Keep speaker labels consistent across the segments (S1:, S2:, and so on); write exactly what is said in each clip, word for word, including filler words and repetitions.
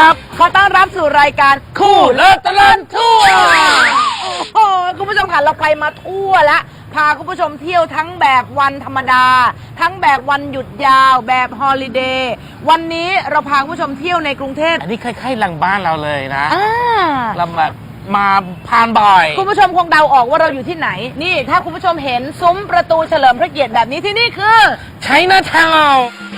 S1: ครับขอต้อนรับสู่รายการคู่เลิศตลอดทั่วโอ้โหคุณผู้ชมค่ะเราไปมาทั่วแล้วพาคุณผู้ชมเที่ยวทั้งแบบวันธรรมดาทั้งแบบวันหยุดยาวแบบฮอลิเดย์วันนี้เราพาคุณผู้ชมเที่ยวในกรุงเทพ
S2: อันนี้คล้ายๆหลังบ้านเราเลยนะ
S1: อ่า
S2: เราแบบมาผ่านบ่อย
S1: คุณผู้ชมคงเดาออกว่าเราอยู่ที่ไหนนี่ถ้าคุณผู้ชมเห็นซุ้มประตูเฉลิมพระเกียรติแบบนี้ที่นี่คือ
S2: ใช้หน้าทาว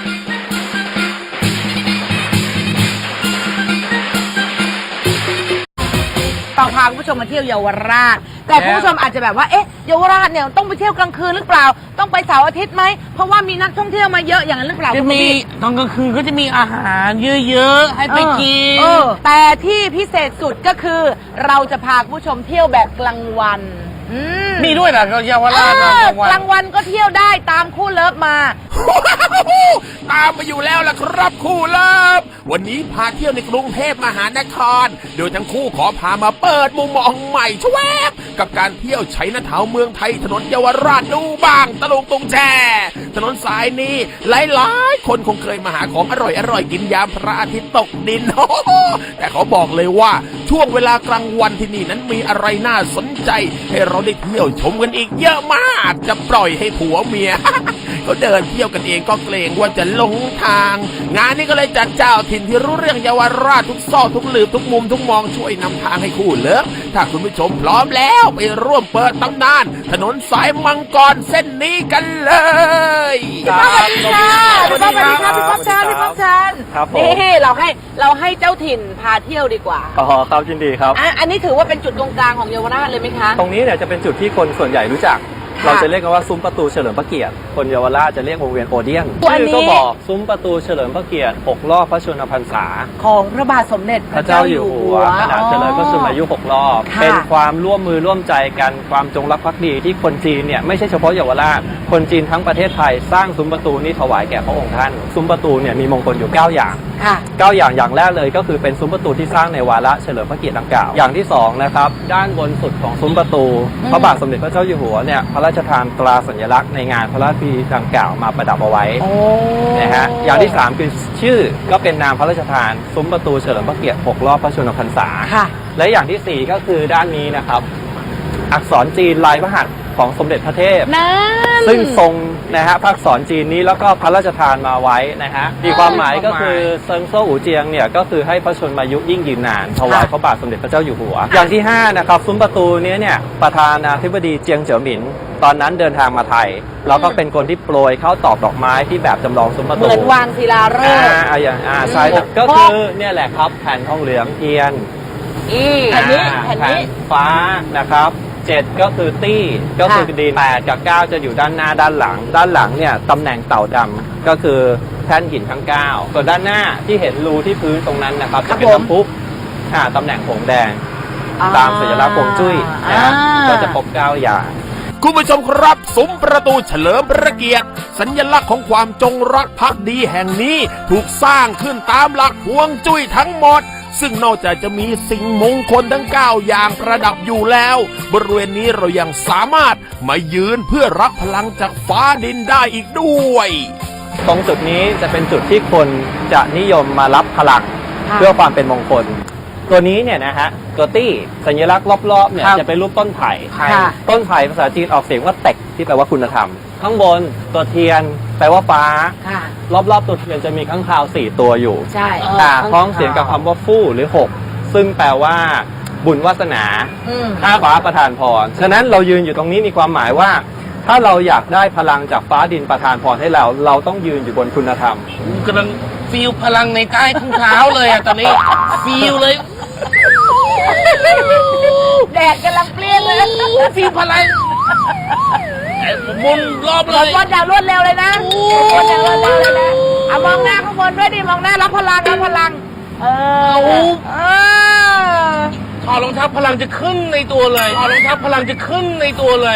S1: ต้องพาคุณผู้ชมมาเที่ยวเยาวราชแต่คุณผู้ชมอาจจะแบบว่าเอ๊ะเยาวราชเนี่ยต้องไปเที่ยวกลางคืนหรือเปล่าต้องไปเสาร์อาทิตย์ไหมเพราะว่ามีนักท่องเที่ยวมาเยอะอย่างนั้นหรือเปล่า
S2: จะมีตอนกลางคืนก็จะมีอาหารเยอะๆให้ไปกิน
S1: เออแต่ที่พิเศษสุดก็คือเราจะพาคุณผู้ชมเที่ยวแบบกลางวัน
S2: มีด้วยเหรอเยาวราช
S1: กลางวันก็เที่ยวได้ตามคู่เลิฟมา
S3: ตามมาอยู่แล้วล่ะครับคู่เลิฟวันนี้พาเที่ยวในกรุงเทพมหานครโดยทั้งคู่ขอพามาเปิดมุมมองใหม่ชวบกับการเที่ยวใช้หน้าเท้าเมืองไทยถนนเยาวราชดูบ้างตะลุงตุงแช่ถนนสายนี้หลายๆคนคงเคยมาหาของอร่อยๆกินยามพระอาทิตย์ตกดินแต่เขาบอกเลยว่าช่วงเวลากลางวันที่นี่นั้นมีอะไรน่าสนใจให้เราได้เที่ยวชมกันอีกเยอะมากจะปล่อยให้ผัวเมีย เขาเดินเที่ยวกันเองก็เกรงว่าจะหลงทางงานนี้ก็เลยจัดเจ้าถิ่นที่รู้เรื่องเยาวราชทุกซอกทุกหลืบทุกมุมทุกมองช่วยนำทางให้คู่เลิฟถ้าคุณผู้ชมพร้อมแล้วไปร่วมเปิดตำนานถนนสายมังกรเส้นนี้กันเลย
S1: พี่ป๊อปสวัสดีค่ะพี่ป๊อปสวัสดีค่ะพี่ป๊อปชันพี่ป๊อปชันนี่เราให้เราให้เจ้าถิ่นพาเที่ยวดีกว่า
S4: อ๋อครับยินดีครับ
S1: อ่ะอันนี้ถือว่าเป็นจุดตรงกลางของเยาวราชเลยไหมคะ
S4: ตรงนี้เนี่ยจะเป็นจุดที่คนส่วนใหญ่รู้จักเราจะเรียกกันว่าซุ้มประตูเฉลิมพระเกียรติคนเยาวราชจะเรียกวงเวียนโอเดียนชื่อก็บอกซุ้มประตูเฉลิมพระเกียรติหกรอบพระชนมพรรษา
S1: ของพระบาทสมเด็จ
S4: พระเจ้าอยู่หัวขณะเจริญพระชนมายุหกรอบเป็นความร่วมมือร่วมใจกันความจงรักภักดีที่คนจีนเนี่ยไม่ใช่เฉพาะเยาวราชคนจีนทั้งประเทศไทยสร้างซุ้มประตูนี้ถวายแก่พระองค์ท่านซุ้มประตูเนี่ยมีมงคลอยู่เก้าอย่างเก้าอย่างอย่างแรกเลยก็คือเป็นซุ้มประตูที่สร้างในวาระเฉลิมพระเกียรติดังกล่าวอย่างที่สองนะครับด้านบนสุดของซุ้มประตูพระบาทสมเด็จพระเจ้าอยู่หัวเนี่ยพระราชทานตราสัญลักษณ์ในงานพระราชพิธีดังกล่าวมาประดับเอาไว้นะฮะอย่างที่สามคือชื่อก็เป็นนามพระราชทานซุ้มประตูเฉลิมพระเกียรติหกรอบพระชนมพรรษาและอย่างที่สี่ก็คือด้านนี้นะครับอักษรจีนลายพระหัตถ์ของสมเด็จพระเทพซึ่งทรงนะฮะพระอักษรจีนนี้แล้วก็พระราชทานมาไว้นะฮะมีความหมายก็คือเซิงโซ่อู่เจียงเนี่ยก็คือให้พระชนมายุยิ่งยืนนานถวายพระบาทสมเด็จพระเจ้าอยู่หัวอย่างที่ห้านะครับซุ้มประตูนี้เนี่ยประธานาธิบดีเจียงเจ๋อหมินตอนนั้นเดินทางมาไทยแล้วก็เป็นคนที่โปรยเข้าตอกดอกไม้ที่แบบจำลองซุ้มประตู
S1: เหมือนวางศิลาฤกษ์
S4: อ่าอย่างอ่าใช่ก็คือเนี่ยแหละครับแผ่นทองเหลืองเทียน
S1: แผ่นนี้แผ่นนี้
S4: ฟ้านะครับเจ็ดก็คือตี้ก็คือดินแปดกับเก้าจะอยู่ด้านหน้าด้านหลังด้านหลังเนี่ยตำแหน่งเต่าดำก็คือแท่นหินทั้งเก้าส่วนด้านหน้าที่เห็นรูที่พื้นตรงนั้นนะครับจะเป็นน้ำพุอ่าตำแหน่งผงแดงตามสัญลักษณ์ผงจุ้ยนะก็จะพบเก้าอย่าง
S3: คุณผู้ชมครับซุ้มประตูเฉลิมพระเกียรติสัญลักษณ์ของความจงรักภักดีแห่งนี้ถูกสร้างขึ้นตามหลักฮวงจุ้ยทั้งหมดซึ่งนอกจากจะมีสิ่งมงคลทั้งเก้าอย่างประดับอยู่แล้วบริเวณนี้เรายังสามารถมายืนเพื่อรับพลังจากฟ้าดินได้อีกด้วย
S4: ตรงจุดนี้จะเป็นจุดที่คนจะนิยมมารับพลังเพื่อความเป็นมงคลตัวนี้เนี่ยนะฮะตัวตี้สัญลักษณ์รอบๆเนี่ยจะเป็นรูปต้นไผ่ต้นไผ่ภาษาจีนออกเสียงว่าเต็กที่แปลว่าคุณธรรมข้างบนตัวเทียนแปลว่าฟ้ารอบๆตัวเทียนจะมีข้างคาวสี่ตัวอยู่
S1: ใช่
S4: พ้องเสียงกับคำว่าฟู่หรือหกซึ่งแปลว่าบุญวาสนาข้าฟ้าประทานพรฉะนั้นเรายืนอยู่ตรงนี้มีความหมายว่าถ้าเราอยากได้พลังจากฟ้าดินประทานพรให้เราเราต้องยืนอยู่บนคุณธรรม
S2: กำลังฟีลพลังในใต้ทุ่งเท้าเลยอ่ะตอนนี้ฟีลเลย
S1: แดดกำลังเปรี้ยเลย
S2: ฟีลพลังมุนรอบเลย
S1: รวดดาวรวดเร็วเลยนะรวดดาวรวดเร็วเลยนะเอามองหน้าข้างบนด้วยดิมองหน้ารับพลังรับพลังเออเอ
S2: อถอดรองเท้าพลังจะขึ้นในตัวเลยถอดรองเท้าพลังจะขึ้นในตัวเลย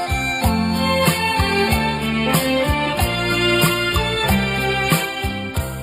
S3: เอ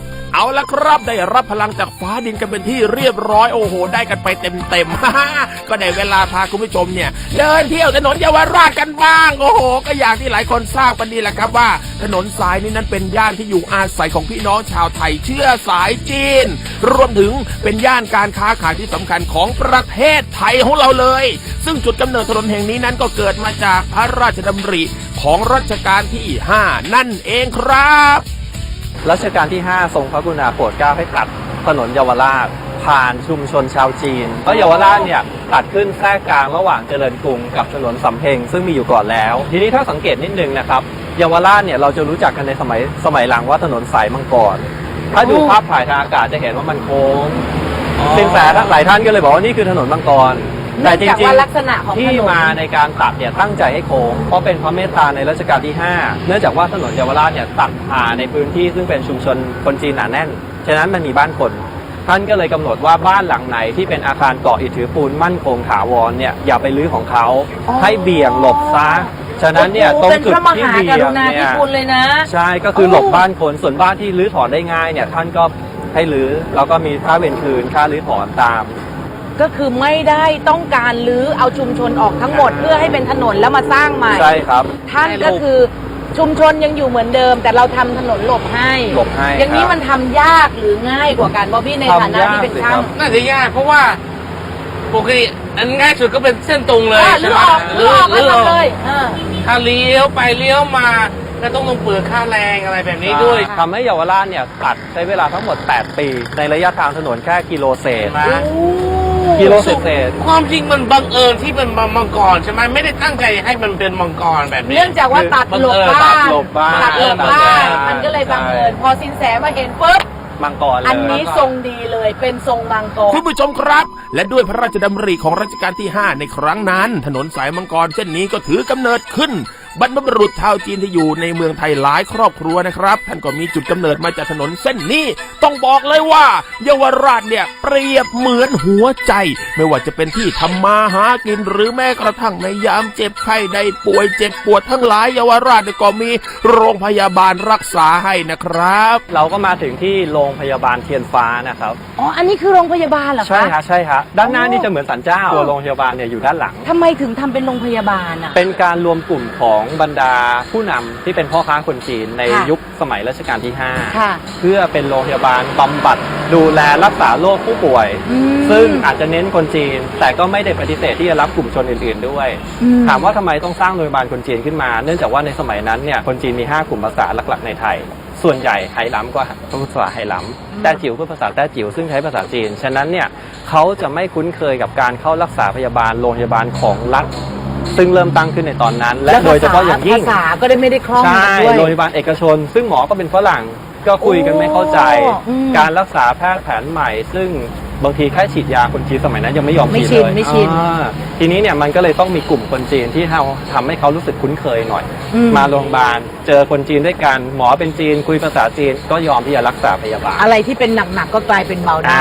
S3: เอาละครับได้รับพลังจากฟ้าดินกันเป็นที่เรียบร้อยโอ้โหได้กันไปเต็มๆ ก็ได้เวลาพาคุณผู้ชมเนี่ยเดินเที่ยวถนนเยาวราชกันบ้างโอ้โหก็อย่างที่หลายคนทราบกันดีแหละครับว่าถนนสายนี้นั้นเป็นย่านที่อยู่อาศัยของพี่น้องชาวไทยเชื้อสายจีนรวมถึงเป็นย่านการค้าขายที่สำคัญของประเทศไทยของเราเลยซึ่งจุดกำเนิดถนนแห่งนี้นั้นก็เกิดมาจากพระราชดำริของรัชกาลที่ห้านั่นเองครับ
S4: รัชกาลที่ห้าทรงพระกรุณาโปรดเกล้าให้ตัดถนนเยาวราชผ่านชุมชนชาวจีนเพราะเยาวราชเนี่ยตัดขึ้นแทรกกลางระหว่างเจริญกรุงกับถนนสำเพ็งซึ่งมีอยู่ก่อนแล้วทีนี้ถ้าสังเกตนิดนึงนะครับเยาวราชเนี่ยเราจะรู้จักกันในสมัยสมัยหลังว่าถนนสายมังกรถ้าดูภาพถ่ายทางอากาศจะเห็นว่ามันโค้งสินแสหลายท่านก็เลยบอกว่านี่คือถนนมังกรแต่จริงๆที่มาในการตัดเนี่ยตั้งใจให้โค้งเพราะเป็นพระเมตตาในรัชกาลที่ห้าเนื่องจากว่าถนนเยาวราชเนี่ยตัดผ่านในพื้นที่ซึ่งเป็นชุมชนคนจีนหนาแน่นฉะนั้นมันมีบ้านคนท่านก็เลยกำหนดว่าบ้านหลังไหนที่เป็นอาคารเกาะอิฐถือปูนมั่นคงถาวรเนี่ยอย่าไปรื้อของเขาให้เบี่ยงหลบซะฉะนั้นเนี่ยตรงจุดที่เบี่ยงเนี่ยใช่ก็คือหลบบ้านคนส่วนบ้านที่รื้อถอนได้ง่ายเนี่ยท่านก็ให้รื้อแล้วก็มีค่าเวรคืนค่ารื้อถอนตาม
S1: ก็คือไม่ได้ต้องการลื้อเอาชุมชนออกทั้งหมดเพื่อให้เป็นถนนแล้วมาสร้างใหม่
S4: ใช่ครับ
S1: ท่านก็คือชุมชนยังอยู่เหมือนเดิมแต่เราทำถนนหลบให้
S4: หลบให้
S1: อย่างนี้มันทำยากหรือง่ายกว่ากันบอบบี้ในฐานะที่เป็นช่าง
S2: น่าจะยากเพราะว่าปกติอันง่ายสุดก็เป็นเส้นตรงเลย
S1: ใช่ไหมลื้อออกลื้อออกเลย
S2: ถ้าเลี้ยวไปเลี้ยวมาก็ต้องลงเปลือกค่าแรงอะไรแบบนี้ด้วย
S4: ทำให้เยาวราชเนี่ยตัดใช้เวลาทั้งหมดแปดปีในระยะทางถนนแค่กิโลเศษกิโลเศษ
S2: ความจริงมันบังเอิญที่เป็นมังกรใช่ไหมไม่ได้ตั้งใจให้มันเป็นมังกรแบบนี้
S1: เนื่องจากว่าตัดหลบบ้านตัดหลบบ้านมันก็เลยบังเอิญพอสินแสมาเห็นปุ๊บ
S4: มังกร
S1: อันนี้ทรงดีเลยเป็นทรงมังกร
S3: คุณผู้ชมครับและด้วยพระราชดำริของรัชกาลที่ห้าในครั้งนั้นถนนสายมังกรเส้นนี้ก็ถือกำเนิดขึ้นบรรพบุรุษชาวจีนที่อยู่ในเมืองไทยหลายครอบครัวนะครับท่านก็มีจุดกำเนิดมาจากถนนเส้นนี้ต้องบอกเลยว่าเยาวราชเนี่ยเปรียบเหมือนหัวใจไม่ว่าจะเป็นที่ทำมาหากินหรือแม้กระทั่งในยามเจ็บไข้ได้ป่วยเจ็บปวดทั้งหลายเยาวราชก็มีโรงพยาบาลรักษาให้นะครับ
S4: เราก็มาถึงที่โรงพยาบาลเทียนฟ้านะครับ
S1: อ๋ออันนี้คือโรงพยาบาลเหรอคะ
S4: ใช่ฮะใช่ฮะด้านหน้านี่จะเหมือนศาลเจ้าตัวโรงพยาบาลเนี่ยอยู่ด้านหลัง
S1: ทำไมถึงทำเป็นโรงพยาบาลอ่ะ
S4: เป็นการรวมกลุ่มของบรรดาผู้นำที่เป็นพ่อค้าคนจีนในยุคสมัยรัชกาลที่ห้าเพื่อเป็นโรงพยาบาลบำบัดดูแลรักษาโรคผู้ป่วยซึ่งอาจจะเน้นคนจีนแต่ก็ไม่ได้ปฏิเสธที่จะรับกลุ่มชนอื่นๆด้วยถามว่าทำไมต้องสร้างโรงพยาบาลคนจีนขึ้นมาเนื่องจากว่าในสมัยนั้นเนี่ยคนจีนมีห้ากลุ่มภาษาหลักๆในไทยส่วนใหญ่ไหหลำก็ภาษาไหหลำแต้จิ๋วก็ภาษาแต้จิ๋วซึ่งใช้ภาษาจีนฉะนั้นเนี่ยเขาจะไม่คุ้นเคยกับการเข้ารักษาพยาบาลโรงพยาบาลของรัฐซึ่งเริ่มตั้งขึ้นในตอนนั้นและโดยเฉพาะอย่างยิ่ง
S1: ภาษาก็ได้ไม่ได้คล่อง
S4: ใช่โรงพยาบาลเอกชนซึ่งหมอก็เป็นฝรั่งก็คุยกันไม่เข้าใจการรักษาแพทย์แผนใหม่ซึ่งบางทีแค่ฉีดยาคนจีนสมัยนั้นยังไม่ยอมฉีดเลย
S1: ไม่ชิน
S4: ทีนี้เนี่ยมันก็เลยต้องมีกลุ่มคนจีนที่เราทำให้เขารู้สึกคุ้นเคยหน่อยมาโรงพยาบาลเจอคนจีนด้วยกันหมอเป็นจีนคุยภาษาจีนก็ยอมที่จะรักษาพยาบาล
S1: อะไรที่เป็นหนักๆก็กลายเป็นเบาได้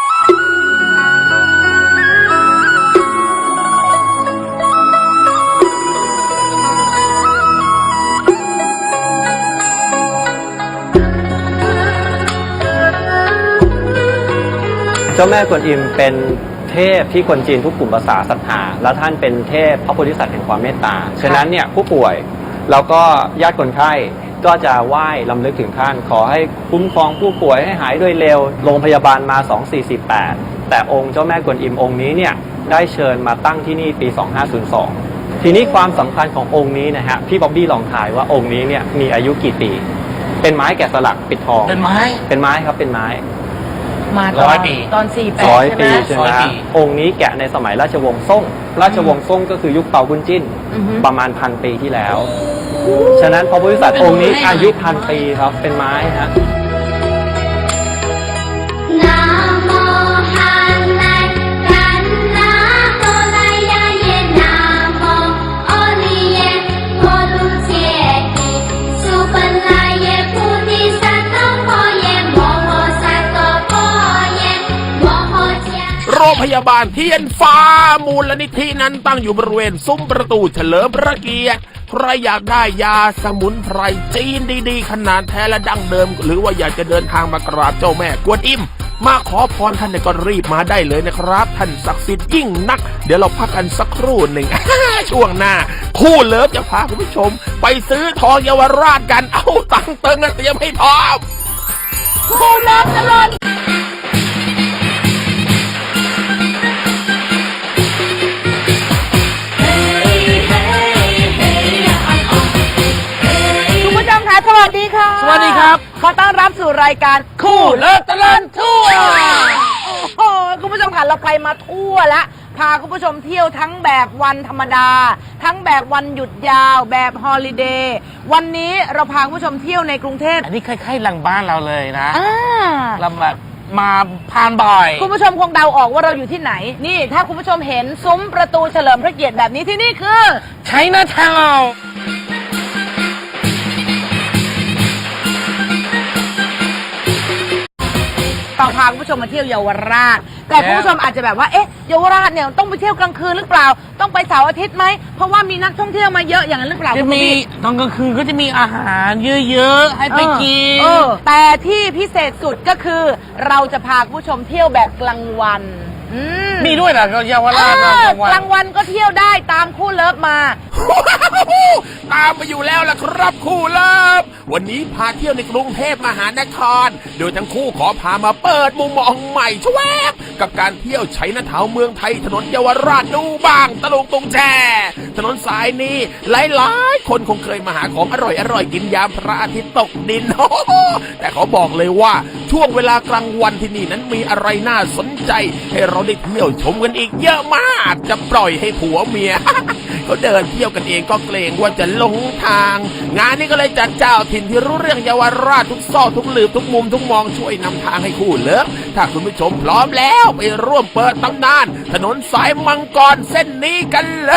S4: เจ้าแม่กวนอิมเป็นเทพที่คนจีนทุกกลุ่มภาษาศรัทธาและท่านเป็นเทพพระโพธิสัตว์แห่งความเมตตาฉะนั้นเนี่ยผู้ป่วยแล้วก็ญาติคนไข้ก็จะไหว้ลำลึกถึงท่านขอให้คุ้มครองผู้ป่วยให้หายโดยเร็วโรงพยาบาลมาสองสี่สี่แปดแต่องค์เจ้าแม่กวนอิมองค์นี้เนี่ยได้เชิญมาตั้งที่นี่ปีสองห้าศูนย์สองทีนี้ความสำคัญขององค์นี้นะฮะพี่บ๊อบบี้ลองถ่ายว่าองค์นี้เนี่ยมีอายุกี่ปีเป็นไม้แกะสลักปิดทอง
S2: เป็นไม้
S4: เป็นไม้ครับเป็นไม้
S1: มาตอนตอนสี่แปดใช่ไหม
S4: ใช่ไหมองค์นี้แกะในสมัยราชวงศ์ซ่งราชวงศ์ซ่งก็คือยุคเปาบุญจิ้นประมาณพันปีที่แล้วฉะนั้นพระโพธิสัตว์องค์นี้อายุพันปีครับเป็นไม้ฮะ
S3: โรงพยาบาลเทียนฟ้ามูลนิธินั้นตั้งอยู่บริเวณซุ้มประตูเฉลิมพระเกียรติใครอยากได้ยาสมุนไพรจีนดีๆขนาดแท้และดั้งเดิมหรือว่าอยากจะเดินทางมากราบเจ้าแม่กวนอิมมาขอพรท่านเนี่ยก็รีบมาได้เลยนะครับท่านศักดิ์สิทธิ์ยิ่งนักเดี๋ยวเราพักกันสักครู่หนึ่ง ช่วงหน้าคู่เลิฟจะพาคุณผู้ชมไปซื้อทองเยาวราชกันเอาตังค์เติงนะเตรียมให้พร้อม
S1: คู่เลิฟตลอดคุณผู้ชมคะสวัสดีค่ะ
S2: สวัสดีครับ
S1: ขอต้อนรับสู่รายการคู่
S2: เลิศตลอดทั่ว
S1: โอ้โหคุณผู้ชมค่ะเราไปมาทั่วแล้วพาคุณผู้ชมเที่ยวทั้งแบบวันธรรมดา ทั้งแบบวันหยุดยาวแบบฮอลิเดย์วันนี้เราพาคุณผู้ชมเที่ยวในกรุงเทพ
S2: อันนี้คล้ายๆหลังบ้านเราเลยนะ
S1: อ่า
S2: เราแบบมาผ่านบ่อย
S1: คุณผู้ชมคงเดาออกว่าเราอยู่ที่ไหนนี่ถ้าคุณผู้ชมเห็นซุ้มประตูเฉลิมพระเกียรติแบบนี้ที่นี่คือ
S2: ใช้หน้าทาวน์
S1: เราพาคุณผู้ชมมาเที่ยวเยาวราชแต่คุณผู้ชมอาจจะแบบว่าเอ๊ะเยาวราชเนี่ยต้องไปเที่ยวกลางคืนหรือเปล่าต้องไปเสาร์อาทิตย์ไหมเพราะว่ามีนักท่องเที่ยวมาเยอะอย่างนั้นหรือเปล่า
S2: จะมีตอนกลางคืนก็จะมีอาหารเยอะๆให้ไปกิน
S1: เออแต่ที่พิเศษสุดก็คือ เราจะพาคุณผู้ชมเที่ยวแบบกลางวันอืม
S2: มีด้วยเหรอเยาวราช
S1: เอ
S2: นะ
S1: อก
S2: ลางวัน
S1: กลางวันก็เที่ยวได้ตามคู่เลิฟมา
S3: ตามมาอยู่แล้วล่ะครับคู่เลิฟวันนี้พาเที่ยวในกรุงเทพมหานครโดยทั้งคู่ขอพามาเปิดมุมมองใหม่ชวบกับการเที่ยวใช้นาทาวเมืองไทยถนนเยาวราชดูบ้างตะลุงตุงแช่ถนนสายนี้หลายๆคนคงเคยมาหาของอร่อยๆกินยามพระอาทิตย์ตกดิน แต่เขาบอกเลยว่าช่วงเวลากลางวันที่นี่นั้นมีอะไรน่าสนใจให้เราได้เที่ยวชมกันอีกเยอะมากจะปล่อยให้ผัวเมีย เขาเดินเที่ยวกันเองก็เกรงว่าจะหลงทาง งานนี้ก็เลยจัดเจ้าถิ่นที่รู้เรื่องเยาวราชทุกซอกทุกหลืบทุกมุมทุกมองช่วยนำทางให้คู่เลิฟถ้าคุณผู้ชมพร้อมแล้วไปร่วมเปิดตำนานถนนสายมังกรเส้นนี้กันเลย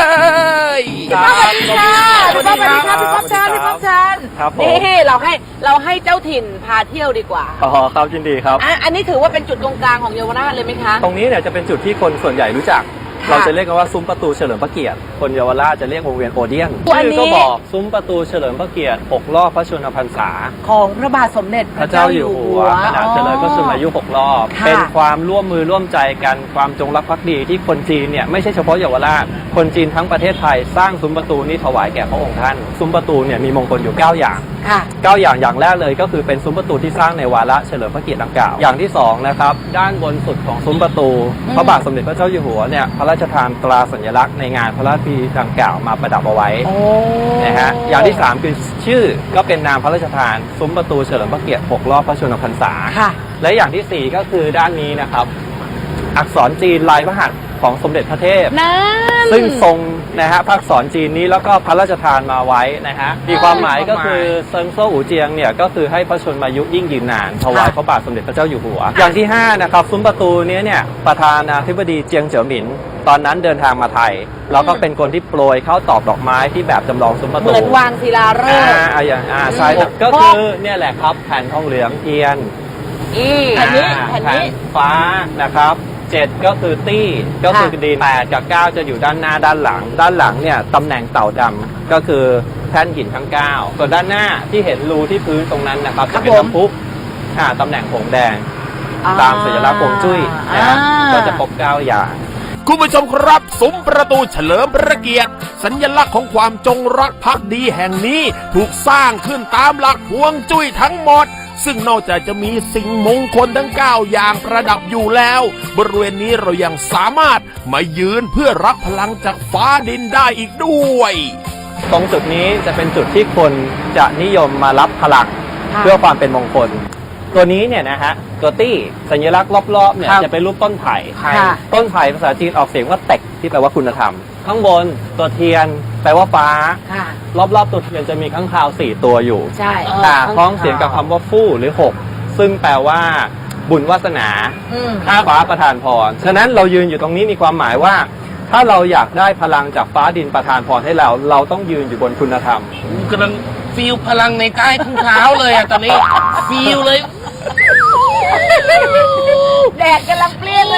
S1: พี่ป๊อปสวัสดีค่ะพี่ป๊อปสวัสดีค่ะพี่ป๊อปเชิญพี่ป๊อปเชิญ
S4: ครับผม
S1: นี่เราให้เราให้เจ้าถิ่นพาเที่ยวดีกว่า
S4: อ๋อครับยินดีครับ
S1: อ่ะอันนี้ถือว่าเป็นจุดตรงกลางของเยาวราชเลยไหมคะ
S4: ตรงนี้เนี่ยจะเป็นจุดที่คนส่วนใหญ่รู้จัก
S1: ค่ะ
S4: เราจะเรียกกันว่าซุ้มประตูเฉลิมพระเกียรติคนเยาวราชจะเรียกวงเวียนโอเดียน
S1: อันนี้
S4: ชื่อก็บอกซุ้มประตูเฉลิมพระเกียรติหกรอบพระชนมพรรษา
S1: ของพระบาทสมเด็จ
S4: พระเจ้าอยู่หัวขนาดเจริญพระชนมายุหกรอบ
S1: ค่ะ
S4: เป็นความร่วมมือร่วมใจกันความจงรักภักดีที่คนจีนเนี่ยไม่ใช่เฉพาะเยาวราชคนจีนทั้งประเทศไทยสร้างซุ้มประตูนี้ถวายแก่พระองค์ท่านซุ้มประตูเนี่ยมีมงคลอยู่เก้าอย่าง
S1: ค่ะ
S4: เก้าอย่างอย่างแรกเลยก็คือเป็นซุ้มประตูที่สร้างในวาระเฉลิมพระเกียรติดังกล่าวอย่างที่สองนะครับด้านบนสุดของซุ้มประตู
S1: อืม
S4: พระบาทสมเด็จพระเจ้าอยู่หัวเนี่ยพระราชทานตราสัญลักษณ์ในงานพระราชพิธีดังกล่าวมาประดับเอาไว้
S1: โอ้
S4: นะฮะอย่างที่สามคือชื่อก็เป็นนามพระราชทานซุ้มประตูเฉลิมพระเกียรติหกรอบพระชนมพรรษา
S1: ค่ะ
S4: และอย่างที่สี่ก็คือด้านนี้นะครับอักษรจีนลายพระหัตถ์ของสมเด็จพระเทพ
S1: นั่น
S4: ซึ่งทรงนะฮะพระอักษรจีนนี้แล้วก็พระราชทานมาไว้นะฮะมีความหมายก็คือเซิงโซ่อูเจียงเนี่ยก็คือให้พระชนมายุยิ่งยืนนานถวายพระบาทสมเด็จพระเจ้าอยู่หัว อย่างที่ห้านะครับซุ้มประตูนี้เนี่ยประธานาธิบดีเจียงเจ๋อหมินตอนนั้นเดินทางมาไทยแล้วก็เป็นคนที่โปรยเข้าตอกดอกไม้ที่แบบจำลองซุ้มประ
S1: เห
S4: ตู
S1: มือนวางศิลาฤ
S4: อ่าก
S1: ษ์
S4: อ่าอย่างอ่าใช่
S1: อืม
S4: ก็คือเนี่ยแหละครับแผ่นทองเหลืองเทียน
S1: อีแผ่นนี้
S4: อ่า
S1: แผ่นนี้
S4: ฟ้านะครับเจ็ดก็คือตี้ก็คือดินแปดกับเก้าจะอยู่ด้านหน้าด้านหลัง ด้านหลังเนี่ยตำแหน่งเต่าดำก็คือแท่นหินทั้งเก้าส่วนด้านหน้าที่เห็นรูที่พื้นตรงนั้นนะครับ
S1: ครั
S4: จะ
S1: บ
S4: เป็น
S1: ผม
S4: น้ำพุอ่าตำแหน่งผงแดง
S1: อ่า
S4: ตามสัญลักษณ์ฮวงจุ้ยนะฮะ
S1: อ่า
S4: ก็จะครบเก้าอย่าง
S3: คุณผู้ชมครับซุ้มประตูเฉลิมพระเกียรติสัญลักษณ์ของความจงรักภักดีแห่งนี้ถูกสร้างขึ้นตามหลักฮวงจุ้ยทั้งหมดซึ่งนอกจากจะมีสิ่งมงคลทั้งเก้าอย่างประดับอยู่แล้วบริเวณนี้เรายังสามารถมายืนเพื่อรับพลังจากฟ้าดินได้อีกด้วย
S4: ตรงจุดนี้จะเป็นจุดที่คนจะนิยมมารับพลัง
S1: ค่ะ
S4: เพื่อความเป็นมงคล ตัวนี้เนี่ยนะฮะตัวตี้สัญลักษณ์รอบๆเนี่ย
S1: ครับ
S4: จะเป็นรูปต้นไผ่
S1: ค่ะ
S4: ต้นไผ่ภาษาจีนออกเสียงว่าเต็กที่แปลว่าคุณธรรม ข้างบนตัวเทียนแปลว่าฟ้า
S1: ค่ะ
S4: รอบๆตัวเทียนจะมีข้างคาวสี่ตัวอยู่
S1: ใช่
S4: อ่าคล้องเสียงกับคำว่าฟู่หรือหกซึ่งแปลว่าบุญวาสนา
S1: อืม
S4: ข้าฟ้าประทานพรฉะนั้นเรายืนอยู่ตรงนี้มีความหมายว่า ถ้าเราอยากได้พลังจากฟ้าดินประทานพรให้เรา เราต้องยืนอยู่บนคุณธรรม
S2: กำลังฟีลพลังในใต้ข้างเท้าเลยอะตอนนี้ฟีลเลย
S1: แดดกำลังเปรี้ยงเลย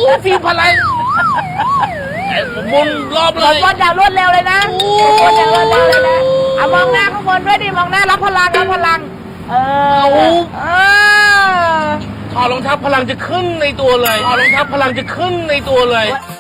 S2: ฟีพลังไอ้หมุนรอบ
S1: ห
S2: เล
S1: มุน
S2: ย
S1: วนอย่างรวดเร็วเลยนะหมุนอย่างรวดเร็วเลยนะเอามองหน้าข้างบนด้วยดิมองหน้ารับพลังรับพลัง เออเออ
S2: ถอดรองเท้าพลังจะขึ้นในตัวเลยถอดรองเท้าพลังจะขึ้นในตัวเลย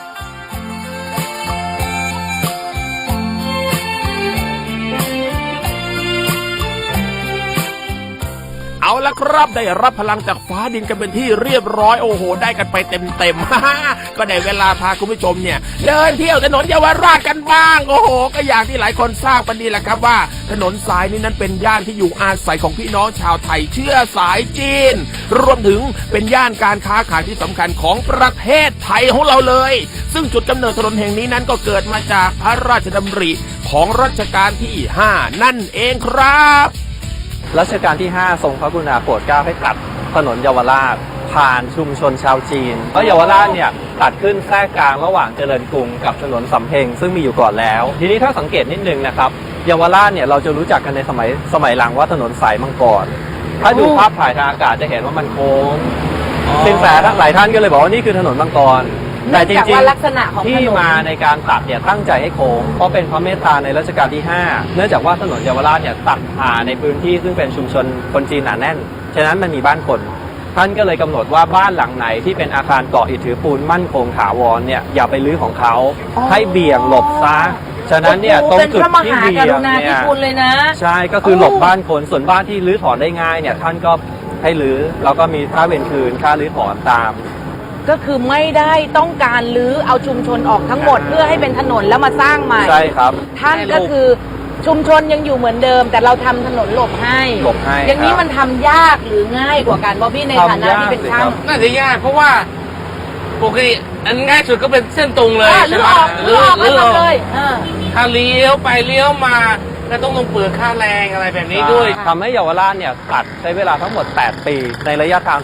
S3: เอาละครับได้รับพลังจากฟ้าดินกันเป็นที่เรียบร้อยโอ้โหได้กันไปเต็มๆ ก็ได้เวลาพาคุณผู้ชมเนี่ยเดินเที่ยวถนนเยาวราชกันบ้างโอ้โหก็อย่างที่หลายคนทราบกันดีแหละครับว่าถนนสายนี้นั้นเป็นย่านที่อยู่อาศัยของพี่น้องชาวไทยเชื้อสายจีนรวมถึงเป็นย่านการค้าขายที่สำคัญของประเทศไทยของเราเลยซึ่งจุดกำเนิดถนนแห่งนี้นั้นก็เกิดมาจากพระราชดำริของรัชกาลที่ห้านั่นเองครับ
S4: รัชกาลที่ห้าทรงพระกรุณาโปรดเกล้าให้ตัดถนนเยาวราชผ่านชุมชนชาวจีนเพราะเยาวราชเนี่ยตัดขึ้นแทรกกลางระหว่างเจริญกรุงกับถนนสำเพ็งซึ่งมีอยู่ก่อนแล้วทีนี้ถ้าสังเกตนิดนึงนะครับเยาวราชเนี่ยเราจะรู้จักกันในสมัยสมัยหลังว่าถนนสายมังกรถ้าดูภาพถ่ายทางอากาศจะเห็นว่ามันโค้งสินแสหลายท่านก็เลยบอกว่านี่คือถนนมังกรแต่จริงๆ
S1: ลักษณะของถนน
S4: ที่มาในการตัดเนี่ยตั้งใจให้โค้งเพราะเป็นพระเมตตาในรัชกาลที่ห้าเนื่องจากว่าถนนเยาวราชเนี่ยตัดผ่าในพื้นที่ซึ่งเป็นชุมชนคนจีนหนาแน่นฉะนั้นมันมีบ้านคนท่านก็เลยกำหนดว่าบ้านหลังไหนที่เป็นอาคารเกาะอิฐถือปูนมั่นคงถาวรเนี่ยอย่าไปรื้อของเขาให้เบี่ยงหลบซะฉะนั้นเนี่ยตรงจุดที่เบี่ยงเนี่ยใช่ก็คือหลบบ้านคนส่วนบ้านที่รื้อถอนได้ง่ายเนี่ยท่านก็ให้รื้อแล้วก็มีค่าเวรคืนค่ารื้อถอนตาม
S1: ก็คือไม่ได้ต้องการรื้อเอาชุมชนออกทั้งหมดเพื่อให้เป็นถนนแล้วมาสร้างใหม่
S4: ใช่ครับ
S1: ท่านก็คือชุมชนยังอยู่เหมือนเดิมแต่เราทำถนนหลบให้
S4: หลบให้
S1: อย่างนี้มันทำยากหรือง่ายกว่ากันบอบบี้ในฐานะที่เป็นช่าง
S2: น่าจะยากเพราะว่าปกติอันง่ายสุดก็เป็นเส้นตรงเลย
S1: หรือออกหรือออกก็ทำเลย
S2: ถ้าเลี้ยวไปเลี้ยวมาก็ต้องลงเปลือกค่าแรงอะไรแบบนี้ด้วย
S4: ทำให้เยาวราชเนี่ยตัดใช้เวลาทั้งหมดแปดปีในระยะทาง